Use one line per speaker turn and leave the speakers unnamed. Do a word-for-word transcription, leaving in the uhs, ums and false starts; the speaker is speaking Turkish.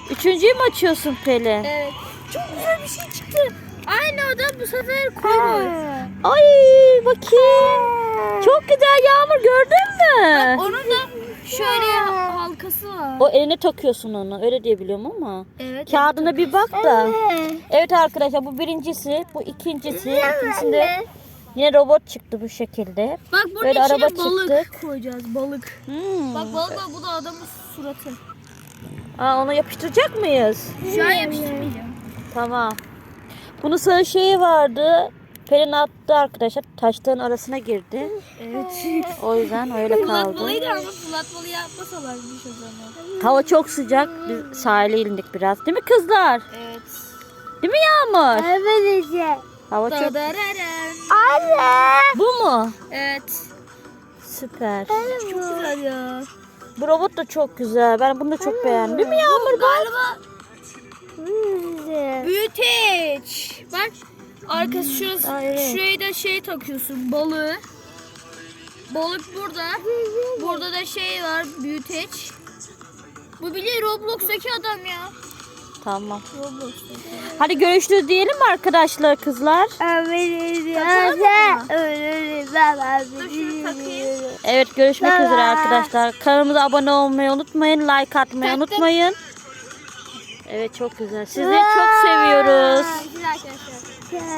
Üçüncüyü mü açıyorsun Pelin?
Evet. Çok güzel bir şey çıktı. Aynı adam bu sefer koymuş.
Ay bakayım. Çok güzel Yağmur, gördün mü?
Onun da şöyle halkası var.
O eline takıyorsun onu. Öyle diye biliyorum ama.
Evet.
Kağıdına bir bak da. Evet arkadaşlar, bu birincisi, bu ikincisi. İkincisinde yine robot çıktı bu şekilde.
Bak bunun
Böyle
içine
araba
balık
çıktı.
koyacağız. Balık.
Hmm.
Bak balık var, bu da adamın suratı.
Aa, onu yapıştıracak mıyız?
Şu an yapıştırmayacağım.
Tamam. Bunun sarı şeyi vardı. Pelin attı arkadaşlar. Taşların arasına girdi.
Evet.
O yüzden öyle kaldı.
Fırlatmalıydı ama fırlatmalı yapmasalarmış o zaman.
Hava çok sıcak. Biz sahile indik biraz. Değil mi kızlar?
Evet.
Değil mi Yağmur?
Evet işte.
Hava çok...
Dadararam.
Anne.
Bu mu?
Evet.
Süper.
Çok güzel ya.
Bu robot da çok güzel. Ben bunu da çok beğendim. Değil mi Yağmur?
Galiba
Güzel.
büyüteç. Bak arkası şurası.
Aa, evet.
Şuraya da şey takıyorsun, balığı. Balık burada. Burada da şey var, büyüteç. Bu bile Roblox'taki adam ya.
Tamam.
Roblox'taki.
Hadi görüşürüz diyelim mi arkadaşlar, kızlar?
Takalım Dur şunu takayım.
Evet, görüşmek üzere arkadaşlar. Kanalımıza abone olmayı unutmayın. Like atmayı
Taktım.
unutmayın. Evet, çok güzel. Sizleri çok seviyoruz.
Güzel arkadaşlar.